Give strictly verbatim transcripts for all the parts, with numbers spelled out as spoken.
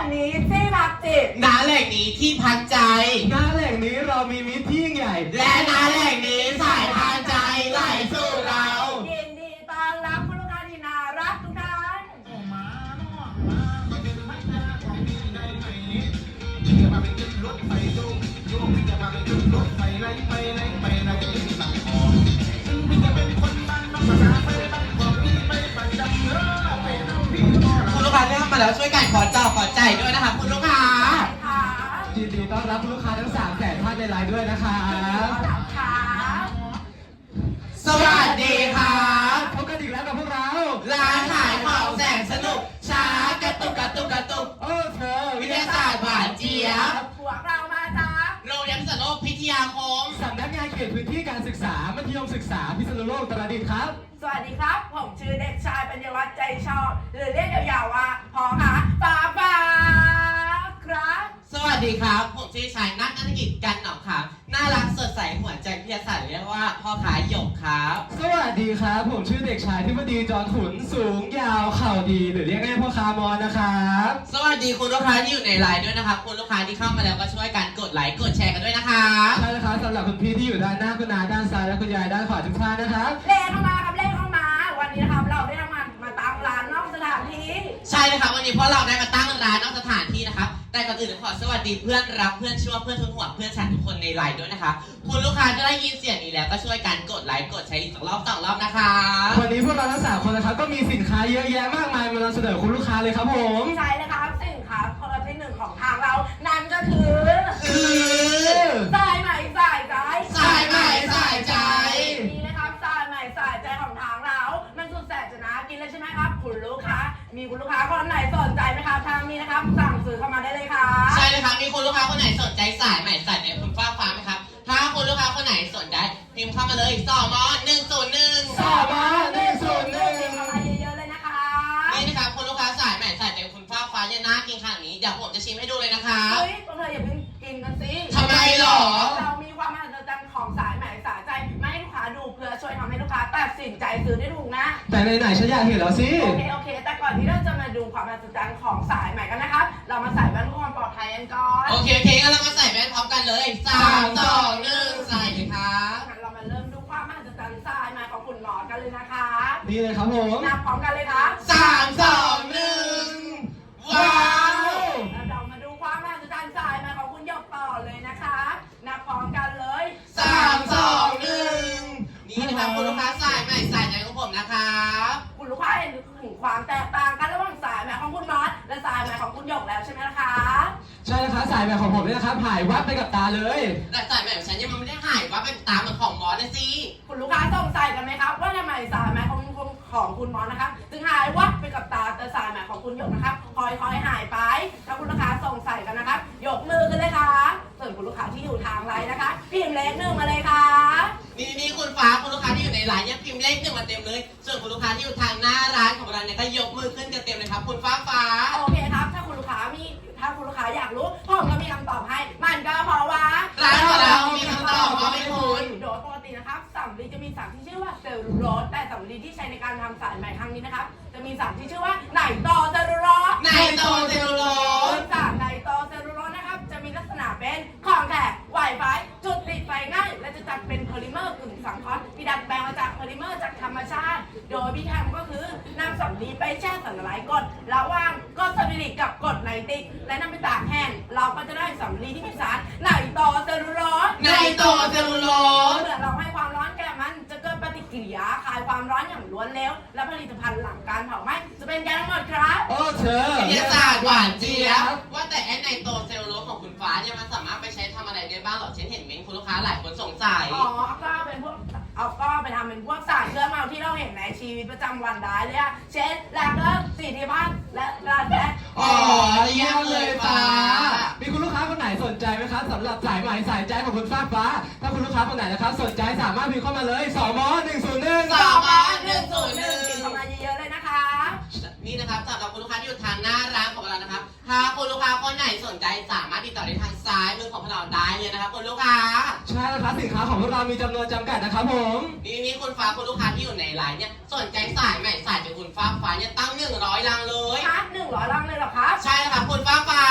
งนี้ที่พักจิตณแหล่งนี้ที่พักใจณแหล่งนี้เรามีมิตรที่ยิ่งใหญ่และณแหล่งนี้สายทานใจไหลสู่เรายินดีต้อนรับคุณลูกค้าที่น่ารักทุกท่านคุณลูกค้าที่เข้ามาแล้วช่วยกันขอเจ้าขอใจด้วยนะคะคุณลูกค้ายินดีต้อนรับคุณลูกค้าทั้งสามแสนท่านในไลน์ด้วยนะครับสวัสดีครับพบกันอีกแล้วกับพวกเราร้านขายของแสนสนุกช้ากระตุกกระตุกกระตุกโอ้เธอวิทยาศาสตร์หวานเจี๊ยบพวกเรามาจากโรงเรียนพิษณุโลกพิทยาคมสำนักงานเขตพื้นที่การศึกษามัธยมศึกษาพิษณุโลกตราดิตถ์ครับสวัสดีครับผมชื่อเด็กชายปัญญวัฒน์ใจชอบหรือเรียกยาวๆว่าพอค่ะป้าป้าครับสวัสดีครับผมชื่อชายนัทนัฐกิจกันหนองครับน่ารักสดใสหัวใจพิทยาศาสตร์เรียกว่าพ่อขาหยกครับสวัสดีครับผมชื่อเด็กชายทิพดีจรขุนสูงยาวเข่าดีหรือเรียกง่ายพ่อคามอนนะครับสวัสดีคุณลูกค้าที่อยู่ในไลน์ด้วยนะครับคุณลูกค้าที่เข้ามาแล้วก็ช่วยกันกดไลค์กดแชร์กันด้วยนะครับใช่แล้วครับสำหรับคุณพี่ที่อยู่ด้านหน้าคุณนาด้านซ้ายและคุณยายด้านขวาทุกท่านนะครับเลขเข้ามาครับเลขเข้ามาวันนี้นะครับเราได้ทำงานมาตั้งร้านนอกสถานที่ใช่เลยครับวันนี้เพราะเราได้มาตั้งร้านนอกสถานที่นะครับแต่ก่อนอื่นขอสวัสดีเพื่อนรักเพื่อนชั่วเพื่อนทุนหัวเพื่อนฉันทุกคนในไลน์ด้วยนะคะคุณลูกค้าจะได้ยินเสียงนี้แล้วก็ช่วยกันกดไลค์กดแชร์อีกสองรอบสองรอบนะคะวันนี้พวกเราทั้งสามคนนะครับก็มีสินค้าเยอะแยะมากมายมานำเสนอคุณลูกค้าเลยครับผมใช่เลยครับสินค้าคนละที่หนึ่งของทางเรานั่นก็คือคือสายใหม่สายใจสายใหม่สายใจนี่นะครับสายใหม่สายใจของทางเรามันสุดแสนจะน่ากินเลยใช่ไหมครับคุณลูกค้ามีคุณลูกค้าคนไหนสนใจไหมครับทางนี้นะครับสั่งซื้อเข้ามาได้เลยค่ะใช่เลยครับมีคุณลูกค้าคนไหนสนใจสายใหม่สายใจคุณฟ้าฟ้าไหมครับถ้าคุณลูกค้าคนไหนสนใจพิมพ์เข้ามาเลยสอมอหนึ่งศูนย์หนึ่งสอมอหนึ่งศูนย์หนึ่งพิมพ์เข้ามาเยอะๆเลยนะคะนี่นะครับคุณลูกค้าสายใหม่สายใจคุณฟ้าฟ้าเนี่ยน่ากินขนาดนี้เดี๋ยวผมจะชิมให้ดูเลยนะคะเฮ้ยพวกเธออย่าเพิ่งกินกันสิทำไมหรอเรามีความมหัศจรรย์ของสายใหม่สายใจมาให้ลูกค้าดูเพื่อช่วยทำให้ลูกค้าตัดสินใจซื้อได้ถูกนะแต่ไหนๆฉันอยากเห็นแล้วสิโอเคโอเคแต่ก่อนที่เราจะมาดูความมหัศจรรย์ของสายใหม่กันนะครับเรามาใส่แว่นเพื่อความปลอดภัยกันก่อนโอเคโอเคงั้นเรามาใส่แว่นพร้อมกันเลยสามสองหนึ่งใส่เลยครับงั้นเรามาเริ่มดูความมหัศจรรย์สายใหม่ของคุณหมอกันเลยนะคะนี่เลยครับผมนับพร้อมกันเลยครับสามสองหนึ่งว้าวแล้วเรามาดูความมหัศจรรย์สายใหม่ของคุณหยกต่อเลยนะคะนับพร้อมกันเลยสามสองหนึ่งนี่นะครับคุณลูกค้าสายใหม่สายใจของผมนะครับคุณลูกค้าเห็นถึงความแตกต่างกันระหว่างสายใหม่ของคุณมอสและสายใหม่ของคุณหยกแล้วใช่ไหมล่ะคะใช่แล้วครับสายใหม่ของผมนี่นะครับหายวับไปกับตาเลยแต่สายใหม่ของฉันยังไม่ได้หายวับไปตาเหมือนของมอสเลยสิคุณลูกค้าสงสัยกันไหมครับว่าทำไมสายใหม่ของคุณของคุณมอสนะครับจึงหายวับไปกับตาแต่สายใหม่ของคุณหยกนะครับค่อยๆหายไปถ้าคุณลูกค้าสงสัยกันนะครับยกมือขึ้นเลยค่ะส่วนคุณลูกค้าที่อยู่ทางไลน์นะคะพิมพ์เลขหนึ่งมาเลยค่ะนี่นี่คุณฟ้าคุณลูกค้าที่อยู่ในร้านยังพิมพ์เลขหนึ่งมาเต็มเลยส่วนคุณลูกค้าที่อยู่ทางหน้าร้านของเราเนี่ยก็ยกมือขึ้นกันเต็มเลยครับคุณฟ้าฟ้าโอเคครับถ้าคุณลูกค้ามีถ้าคุณลูกค้าอยากรู้ผมก็มีคำตอบให้มันก็เพราะว่าร้านของเรามีคำตอบมาให้คุณโดยปกตินะครับสำลีจะมีสารที่ชื่อว่าเซลลูโลสแต่สำลีที่ใช้ในการทำสายใหม่ครั้งนี้นะครับจะมีสารที่ชื่อว่าไนโตรเซลลูโลสไนโตรเซลลูโลสสารไนโตรเซลลูโลสนะครับจะมีลักษณะเป็นของแข็งไหวไฟจุดติดไฟง่ายและจะจัดเป็นโพลิเมอร์กึ่งสังเคราะห์ที่ดัดแปลงมาจากโพลิเมอร์จากธรรมชาติโดยวิธีทำก็คือนำสำลีไปแช่สารละลายกรดระหว่างกรดสมิลิกกับกรดไนตริกและนำไปตากแห้งเราก็จะได้สำลีที่มีสารไนโตรเซลลูโลสไนโตรเซลลูโลสเมื่อเราให้ความร้อนแก่มันจะเกิดปฏิกิริยาคายความร้อนอย่างล้วนเร็วและผลิตภัณฑ์หลังการเผาไหม้จะเป็นยังไงหมดครับโอ้เธอวิทยาศาสตร์หวานเจี๊ยบว่าแต่ไอ้ไนโตรเซลลูโลสของคุณฟ้าเนี่ยมันสามารถไปใช้ทำอะไรได้บ้างหรอฉันเห็นเม้นคุณลูกค้าหลายคนสงสัยอ๋อก็เป็นพวกเอาก็ไปทำเป็นพวกสารเคลือบเมาที่เราเห็นในชีวิตประจำวันได้เลยอะเช่นแลกเกอร์สีที่บ้านและร้านแรกอ๋อเยี่ยมเลยฟ้ามีคุณลูกค้าคนไหนสนใจไหมครับสำหรับสายใหม่สายใจของคุณฟ้าฟ้าถ้าคุณลูกค้าคนไหนนะครับสนใจสามารถพิมพ์เข้ามาเลยสอมอหนึ่งศูนย์หนึ่งสอมอหนึ่งศูนย์หนึ่งพิมพ์เข้ามาเยอะๆเลยนะคะนี่นะครับสำหรับคุณลูกค้าที่อยู่ทางหน้าร้านของเรานะครับถ้าคุณลูกค้าคนไหนสนใจสามารถติดต่อได้ทางซ้ายมือของเราได้เลยนะครับคุณลูกค้าใช่แล้วครับสินค้าของพวกเรามีจำนวนจำกัดนะครับผมนี่นี่คุณฟ้าคุณลูกค้าที่อยู่ในไลน์เนี่ยสนใจสายใหม่สายจากคุณฟ้าฟ้าเนี่ยตั้งหนึ่งร้อยลังเลยฮะหนึ่งร้อยลังเลยเหรอครับใช่ครับคุณฟ้าฟ้า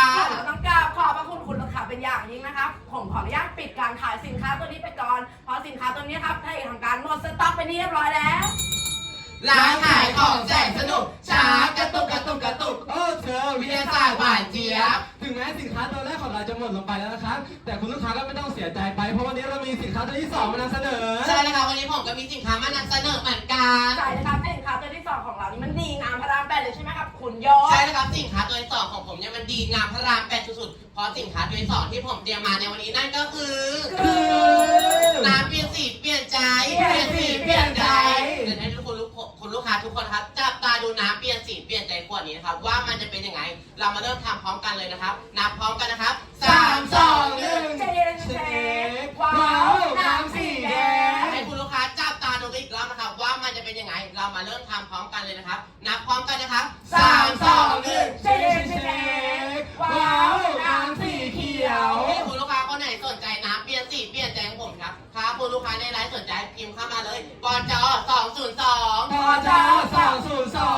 ขออนุญาตปิดการขายสินค้าตัวนี้ไปก่อนเพราะสินค้าตัวนี้ครับได้ทำการหมดสต็อกไปเรียบร้อยแล้วร้านขายของแสนสนุกช้ากระตุกกระตุกกระตุกโอ้เธอวิทยาศาสตร์หวานเจี๊ยบถึงแม้สินค้าตัวแรกของเราจะหมดลงไปแล้วนะครับ แต่คุณลูกค้าก็ไม่ต้องเสียใจไปเพราะวันนี้เรามีสินค้าตัวที่สองมานำเสนอใช่แล้วครับวันนี้ผมก็มีสินค้ามานำเสนอเหมือนกันใช่นะครับสินค้าตัวที่สองของเรานี่มันดีงามพระรามแปดเลยใช่ไหมครับคุณโยศใช่แล้วครับสินค้าตัวที่สองของผมเนี่ยมันดีงามพระรามแปดสุดๆเพราะสินค้าตัวที่สองที่ผมเตรียมมาในวันนี้นั่นก็คือคือน้ำเปลี่ยนสีเปลี่ยนใจเปลี่ยนสีเปลี่ยนใจเดี๋ยวให้ทุกคนลูกคุณลูกค้าทุกคนครับจับตาดูน้ำเปลี่ยนสีเปลี่ยนใจขวดนี้นะครับว่ามันจะเป็นยังไง เรามาเริ่มทำพร้อมกันเลยนะครับนับพร้อมกันนะครับสามสองหนึ่งเช็คเช็คว้าวน้ำสีแดงให้คุณลูกค้าจับตาดูอีกรอบนะครับว่ามันจะเป็นยังไง เรามาเริ่มทำพร้อมกันเลยนะครับ นับพร้อมกันนะครับสามสองหนึ่งเช็คเช็คว้าวน้ำสีเขียวให้คุณลูกค้าคนไหนสนใจน้ำเปลี่ยนสีเปลี่ยนใจของผมครับถ้าคุณลูกค้าในไลฟ์สนใจพิมพ์เข้ามาเลยปจสองศูนย์สองพอจสองศูนย์สอง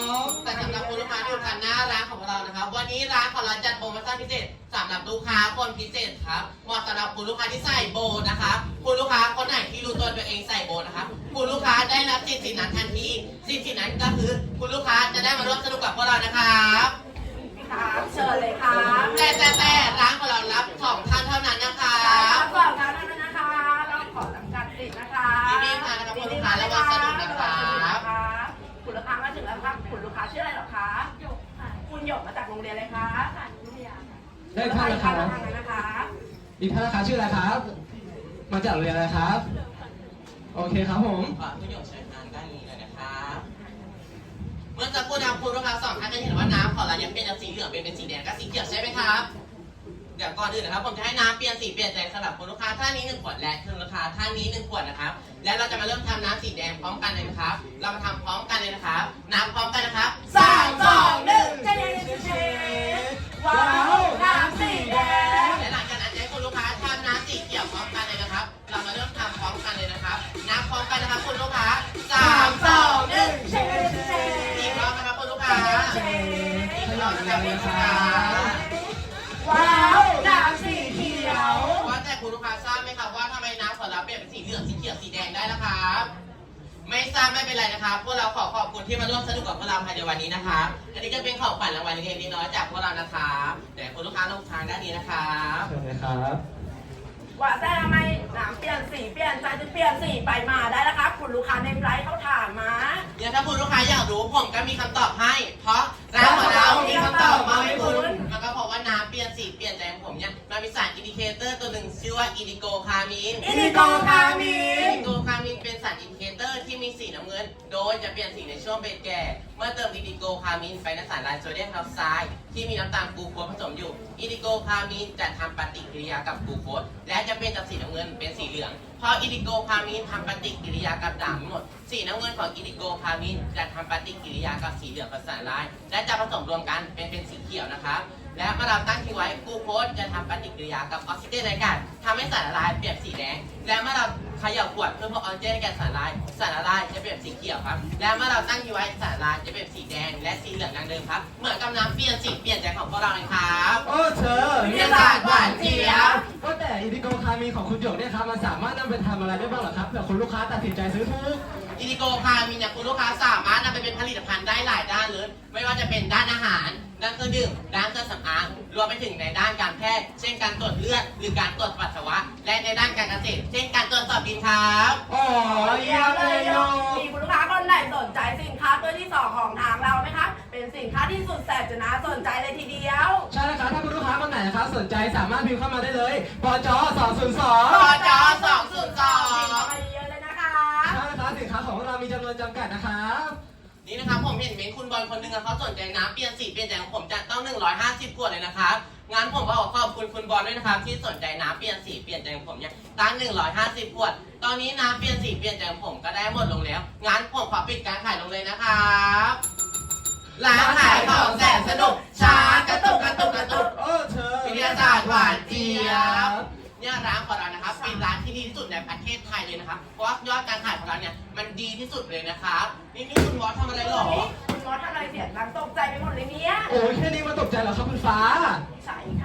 แต่สำหรับคุณลูกค้าที่อยู่ทางหน้าร้านของเรานะครับ วันนี้ร้านของเราจัดโปรโมชั่นพิเศษสำหรับลูกค้าคนพิเศษครับเหมาะสำหรับคุณลูกค้าที่ใส่โบนะครับคุณลูกค้าคนไหนที่รู้ตัวตัวเองใส่โบนะครับคุณลูกค้าได้รับสิทธิ์สิทธินั้นทันทีสิทธิ์สิทธินั้นก็คือคุณลูกค้าจะได้มาร่วมสนุกกับพวกเรานะครับครับเชิญเลยครับแต่แต่แต่ร้านของเรารับสองท่านเท่านั้นนะครัครับ บก่อนครับนั่นนะคะเราขอจำกัดสิทธิ์นะคะดีๆค่ะนะครับคุณลูกค้าและวันสนุกนะครับคุณลูกค้ามาถึงแล้วครับคุณลูกค้าชื่ออะไรเหรอคะหยกค่ะคุณหยกมาจากโรงเรียนอะไรคะวิทยาค่ะได้ท่านนะครัทาบงนั้นนะคะอีกท่านนะคะชื่ออะไรครับ มาจากโรงเรียนอะไรครับ โอเคครับผมขอคุณหยกเชิญทางด้านนี้เลยนะครับเมื่อสักครู่นะคุณลูกค้าสองท่านจะเห็นว่าน้ำของเรายังเป็นจากสีเหลืองเป็นเป็นสีแดงกับสีเขียวใช่ไหมครับเดี๋ยวก่อนอื่นนะครับผมจะให้น้ำเปลี่ยนสีเปลี่ยนใจสำหรับคุณลูกค้าท่านนี้หนึ่งขวดและคุณลูกค้าท่านนี้หนึ่งขวดนะครับและเราจะมาเริ่มทำน้ำสีแดงพร้อมกันเลยนะครับเรามาทำพร้อมกันเลยนะครับน้ำพร้อมกันนะครับสามสองหนึ่งเจ๊เจ๊ว้าวน้ำสีแดงและหลังจากนั้นจะให้คุณลูกค้าทำน้ำสีเขียวพร้อมกันเลยนะครับ เรามาเริ่มทำพร้อมกันเลยนะครับน้ำพร้อมกันนะครับคุณลูกค้าสามสองหนึ่งเจ๊เจ๊อีกรอบนะครับคุณลูกค้าเจ๊อีกรอบนะครับคุณลูกค้าว้าวน้ำสีเขียวว่าแต่คุณลูกค้าทราบไหมครับว่าทำไมน้ำของเราเปลี่ยนเป็นสีเหลืองสีเขียวสีแดงได้ล่ะครับไม่ทราบไม่เป็นไรนะครับพวกเราขอขอบคุณที่มาร่วมสนุกกับพวกเราภายในวันนี้นะครับอันนี้ก็เป็นของขวัญรางวัลเล็กๆน้อยๆจากพวกเรานะครับแต่คุณลูกค้าลงทางด้านนี้นะครับเชิญเลยครับว่าแต่ทำไมน้ำเปลี่ยนสีเปลี่ยนใจจะเปลี่ยนสีไปมาได้แล้วครับคุณลูกค้าในไลฟ์เขาถามมาเดี๋ยวถ้าคุณลูกค้าอยากรู้ผมก็มีคำตอบให้ เพราะร้านของเรามีคำตอบมาให้คุณมันก็เพราะว่าน้ำเปลี่ยนสีเปลี่ยนใจของผมเนี่ยมันมีสารอินดิเคเตอร์ตัวหนึ่งชื่อว่าอินดิโกคามีนอินดิโกคามีอินนดิโกคามีนเป็นสารอินดิเคเตอร์ที่มีสีน้ำเงิน โดยจะเปลี่ยนสีในช่วงเบรกแก่ เมื่อเติมอินดิโกคามีนไปในสารไลโซเดียมไฮดรอกไซด์ที่มีน้ำตาลกลูโคสผสมอยู่อินดิโกคามีนจะทำปฏิกิริยากับกลูโคสและจะเป็นจากสีน้ำเงินเป็นสีเหลืองเพราะอินดิโกคามีนทำปฏิกิริยากับด่างทั้งหมดสีน้ำเงินของอินดิโกคามีนจะทำปฏิกิริยากับสีเหลืองกับสารลายและจะผสมรวมกันเป็นเป็นสีเขียวนะครับและเมื่อเราตั้งทิ้งไว้กลูโคสจะทำปฏิกิริยากับออกซิเจนในอากาศทำให้สารละลายเปลี่ยนสีแดงและเมื่อเราเขย่าขวดเพื่อเพิ่มออกซิเจนในแก่สารละลายสารละลายจะเปลี่ยนสีเขียวครับและเมื่อเราตั้งทิ้งไว้สารละลายจะเปลี่ยนสีแดงและสีเหลืองดังเดิมครับเหมือนกับน้ำเปลี่ยนสีเปลี่ยนใจของพวกเราเลยครับโอ้เธอวิทยาศาสตร์หวานเจี๊ยบก็แต่อินดิโกคามีของคุณหยกเนี่ยครับมันสามารถนำไปทำอะไรได้บ้างเหรอครับเผื่อคุณลูกค้าตัดสินใจซื้อถูกอินดิโกคามีเนี่ยคุณลูกค้าสามารถนำไปเป็นผลิตภัณฑ์ได้หลายด้านเลยไม่ว่าจะเป็นด้านอาหารด้านเครื่องดื่มด้านเครื่องสำอางรวมไปถึงในด้านการแพทย์เช่นการตรวจเลือดหรือการตรวจปัสสาวะและในด้านการเกษตรเช่นการตรวจสอบดินครับอ๋อเยี่ยมเลยโยมีคุณลูกค้าคนไหนสนใจสินค้าตัวที่สองของทางเราไหมคะเป็นสินค้าที่สุดแสบจะน่าสนใจเลยทีเดียวใช่แล้วครับถ้าคุณลูกค้าคนไหนนะครับสนใจสามารถพิมพ์เข้ามาได้เลยปจสองศูนย์สองปจสองศูนย์สองไปเยอะเลยนะคะใช่แล้วครับสินค้าของเรามีจำนวนจำกัดนะครับนี่นะครับผมเห็นเมนคุณบอลคนหนึ่งอะเขาสนใจน้ำเปลี่ยนสีเปลี่ยนใจของผมจะต้องหนึ่งร้อยห้าสิบขวดเลยนะครับงั้นผมก็ขอขอบคุณคุณบอลด้วยนะครับที่สนใจน้ำเปลี่ยนสีเปลี่ยนใจของผมเนี่ยตั้งหนึ่งร้อยห้าสิบขวดตอนนี้น้ำเปลี่ยนสีเปลี่ยนใจของผมก็ได้หมดลงแล้วงั้นผมขอปิดการขายลงเลยนะครับร้านขายของแสนสนุกช้ากระตุกกระตุกกระตุกโอ้เธอวิทยาศาสตร์หวานเจี๊ยบเนี่ยร้านของเรานะครับเป็นร้านที่ดีที่สุดในประเทศไทยเลยนะครับเพราะว่ายอดการขายของเราเนี่ยมันดีที่สุดเลยนะครับนี่นี่คุณวอสทำอะไรหรอคุณมอสทำอะไรเสียงดังตกใจไปหมดเลยเนี่ยโอ้ยแค่นี้มันตกใจเหรอครับคุณฟ้าใช่ครับ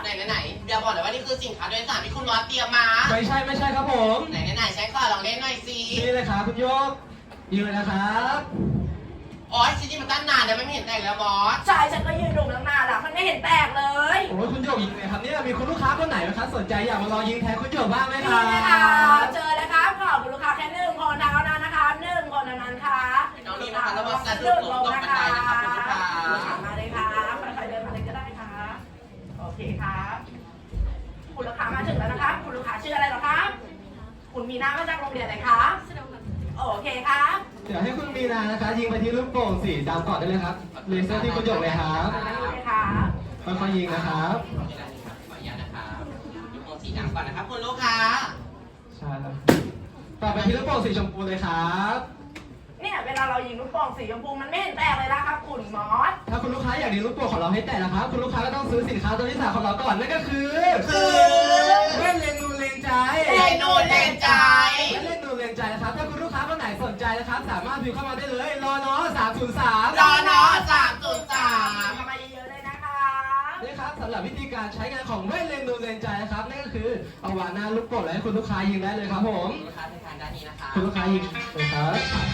ไหนไหนไหนเดี๋ยวบอกเลยว่านี่คือสินค้าโดยสารที่คุณมอสเตรียมมาไม่ใช่ไม่ใช่ครับผมไหนไหนไหนใช้ขอลองเล่นหน่อยสินี่เลยครับคุณโยกยืนนะครับอ๋อชิ้นนี้มันตั้งนานแล้วไม่เห็นแต่งแล้วมอสใช่ฉันก็ยืนดูตั้งนานแล้วมันไม่เห็นแตกเลยโอ้ยคุณโยกยิงเลยครับเนี่ยมีคุณลูกค้าคนไหนไหมครับสนใจอยากมาลองยิงแทนคุณโยกบ้างไหมคนี่รับนะคะเจอเลยครับขอบคุณลูกค้าแค่หนึ่งคนเท่านั้นนะคะหนึ่งคนเท่านั้นค่ะน้องนี่นะคะแล้วมาสะดุดลงตกบันไดนะครับคุณลูกค้าลูกค้ามาเลยครับใครๆเดินมาเลยก็ได้ครับโอเคครับคุณลูกค้ามาถึงแล้วนะครับคุณลูกค้าชื่ออะไรเหรอครับคุณมีนามาจากโรงเรียนไหนครับโอเคครับเดี๋ยวให้คุณมีนานะคะยิงไปที่ลูกโป่งสีดำก่อนได้เลยครับเลเซอร์ที่คุณโยกเลยครับมาเลยครับค่อยๆยิงนะครับขออนุญาตนะครับดูโปรสีดำก่อนนะครับคุณลูกค้าใช่แล้วต่อไปที่ลูกโป่งสีชมพูเลยครับเนี่ยเวลาเรายิงลูกโป่งสีชมพูมันไม่เห็นแตกเลยนะครับคุณมอสถ้าคุณลูกค้าอยากดีลูกโป่งของเราให้แตกนะครับ คุณลูกค้าก็ต้องซื้อสินค้าตัวที่สามของเราก่อนนั่นก็คือคือแว่นเลนนูเลนใจเลนนูเลนใจแว่นเลนนูเลนใจนะครับถ้าคุณลูกค้าคนไหนสนใจนะครับ สามารถพิมพ์เข้ามาได้เลยรอเนาะสามศูนย์สามรอเนาะสามศูนย์สามทำมาเยอะๆเลยนะคะนี่ครับสำหรับวิธีการใช้งานของแว่นเลนนูเลนใจนะครับนั่นก็คือเอาวางหน้าลูกโป่งแล้วให้คุณลูกค้ายิงได้เลยครับผมลูกค้าในทางด้านนี้นะคะคุณลูกค้ายิงเลยครับ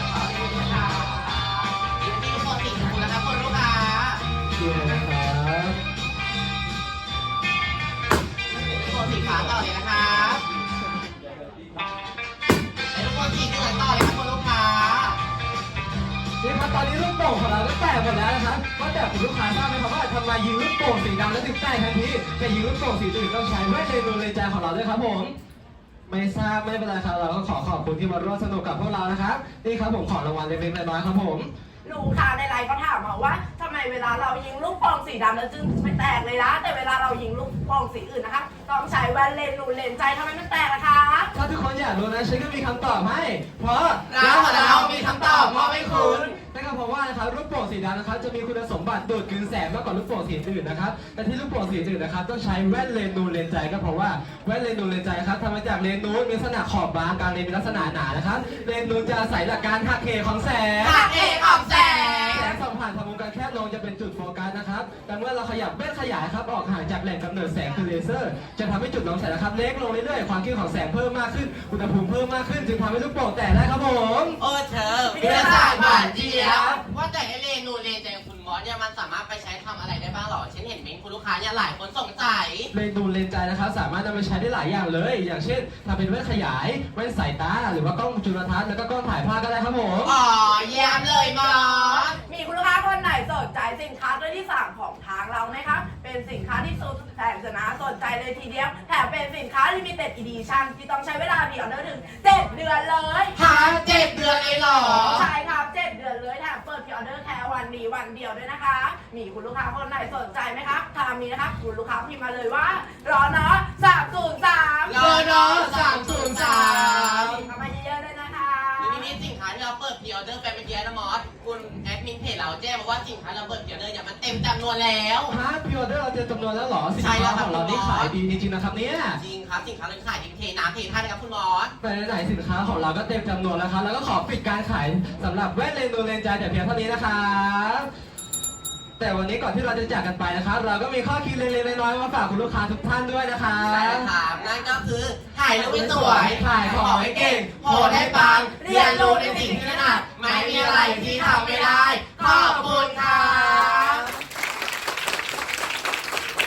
ยินดีทุกคนสีชมพูนะครับคุณลูกค้ายิงเลยนะครับทุกคนสีฟ้าต่อเลยนะครับและทุกคนสีเหลืองต่อเลยครับคุณลูกค้านี่ครับตอนนี้ลูกโป่งของเราก็แตกหมดแล้วนะครับก็แต่คุณลูกค้าทราบไหมครับว่าทำไมยิงลูกโป่งสีดำแล้วถึงแตกทันทีแต่ยิงลูกโป่งสีอื่นต้องใช้แว่นเลนนูเลนใจของเราด้วยครับผมไม่ทราบไม่เป็นไรครับเราก็ขอขอบคุณที่มาร่วมสนุกกับพวกเรานะครับนี่ครับผมขอรางวัลเล็กๆน้อยๆครับผมลูกค้าในไลน์ก็ถามมาว่าทำไมเวลาเรายิงลูกโป่งสีดำแล้วจึงไม่แตกเลยนะแต่เวลาเรายิงลูกโป่งสีอื่นนะคะต้องใช้แว่นเลนส์นูนเลนส์ใจทำไมมันแตกล่ะคะถ้าทุกคนอยากรู้นะฉันก็มีคำตอบให้ เพราะเราของเรามีคำตอบมอบให้คุณนั่นก็เพราะว่านะครับลูกโป่งสีดำนะครับจะมีคุณสมบัติดูดกลืนแสงมากกว่าลูกโป่งสีอื่นนะครับแต่ที่ลูกโป่งสีอื่นนะครับต้องใช้แว่นเลนส์นูนเลนส์ใจก็เพราะว่าแว่นเลนส์นูนเลนส์ใจครับทำมาจากเลนส์นูนมีลักษณะขอบบางกลางเลนส์มีลักษณะหนานะครับเลนส์นูนจะอาศัยหลักการหักเหของแสงหักเหของแสงแสงส่องผ่านทางวงการแคบลงจะเป็นจุดโฟกัสนะครับ แต่เมื่อเราขยับแว่นขยายครับออกห่างจากแหล่งกำเนิดแสงคือเลเซอร์ จะทำให้จุดน้องแสงนะครับเล็กลงเรื่อยๆ ความเข้มของแสงเพิ่มมากขึ้น อุณหภูมิเพิ่มมากขึ้น จึงทำให้ลูกโป่งแตกได้ครับผมโอ้เธอวิทยาศาสตร์หวานเจี๊ยบว่าแต่ไอเลนูเลนใจของคุณมอสเนี่ยมันสามารถไปใช้ทำอะไรได้บ้างหรอฉันเห็นเม้นคุณลูกค้าเนี่ยหลายคนสงสัยเลนส์นูนเลนส์ใจนะครับสามารถนำไปใช้ได้หลายอย่างเลย อย่างเช่นทำเป็นแว่นขยาย แว่นสายตา หรือว่ากล้องจุลทรรศน์แล้วก็กล้องถ่ายภาพก็ได้ครับผมอ๋อเยี่ยมเลยมอสมีคุณลูกค้าคนไหนสนใจสินค้าตัวที่สามของทางเราไหมคะเป็นสินค้าที่สุดแสนจะน่าสนใจเลยทีเดียวแถมเป็นสินค้า Limited Edition ที่ต้องใช้เวลาพรีออเดอร์ถึงเจ็ดเดือนเลยหาเจ็ดเดือนเลยเหรอใช่ครับเจ็ดเดือนเลยแถมเปิดพรีออเดอร์แค่วันนี้วันเดียวด้วยนะคะ มีคุณลูกค้าคนไหนสนใจไหมครับถ้ามีนะครับคุณลูกค้าพิมพ์มาเลยว่ารอเนาะสามศูนย์สามรอเนาะสามศูนย์สามเข้ามาเยอะๆเลยนะคะนี่นี่สินค้าที่เราเปิดพรีออเดอร์ไปเมื่อกี้นะมอสคุณแอดมินเพจเราแจ้งมาว่าสินค้าเราเปิดพรีออเดอร์เนี่ยมันเต็มจำนวนแล้วฮาร์ดพิออเดอร์เราเจอจำนวนแล้วเหรอสินใช่แล้ค้าวครับของเรานี่ขายดีจริงๆนะครับเนี่ยจริงครับสินค้าเราขายดีเทน้ำเทท่านะครับคุณมอสแต่ไหนๆสินค้าของเราก็เต็มจำนวนแล้วครับแล้วก็ขอปิดการขายสำหรับแว่นเลนส์นูนเลนส์ใจแต่เพียงเท่านี้นะครับแต่วันนี้ก่อนที่เราจะจากกันไปนะครับ เราก็มีข้อคิดเล็กๆน้อยๆมาฝากคุณลูกค้าทุกท่านด้วยนะครัใช่บครับนั่นก็คือถ่ายรูปให้สวยถ่ายของให้เก่งโพสให้ปัง เรียนรู้ในสิ่งที่ถนัดไม่มีอะไรที่ทำไม่ได้ ขอบคุณครับ